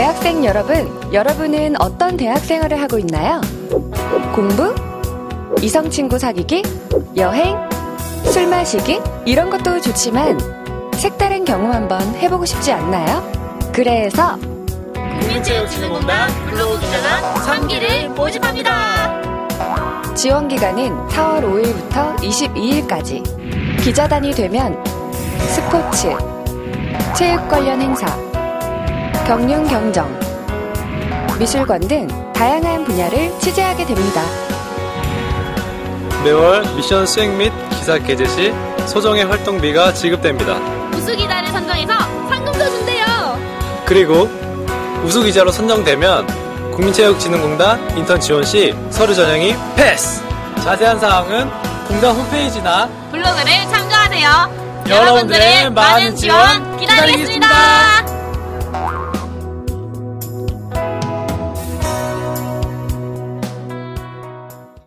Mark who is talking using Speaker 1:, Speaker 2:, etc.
Speaker 1: 대학생 여러분, 여러분은 어떤 대학 생활을 하고 있나요? 공부? 이성 친구 사귀기? 여행? 술 마시기? 이런 것도 좋지만 색다른 경험 한번 해보고 싶지 않나요? 그래서
Speaker 2: 국민체육진흥공단 블로그기자단 3기를 모집합니다.
Speaker 1: 지원 기간은 4월 5일부터 22일까지. 기자단이 되면 스포츠, 체육 관련 행사, 경륜 경정, 미술관 등 다양한 분야를 취재하게 됩니다.
Speaker 3: 매월 미션 수행 및 기사 게재 시 소정의 활동비가 지급됩니다.
Speaker 2: 우수기자를 선정해서 상금도 준대요.
Speaker 3: 그리고 우수기자로 선정되면 국민체육진흥공단 인턴 지원 시 서류 전형이 패스! 자세한 사항은 공단 홈페이지나
Speaker 2: 블로그를 참조하세요.
Speaker 3: 여러분들의 많은 지원 기다리겠습니다.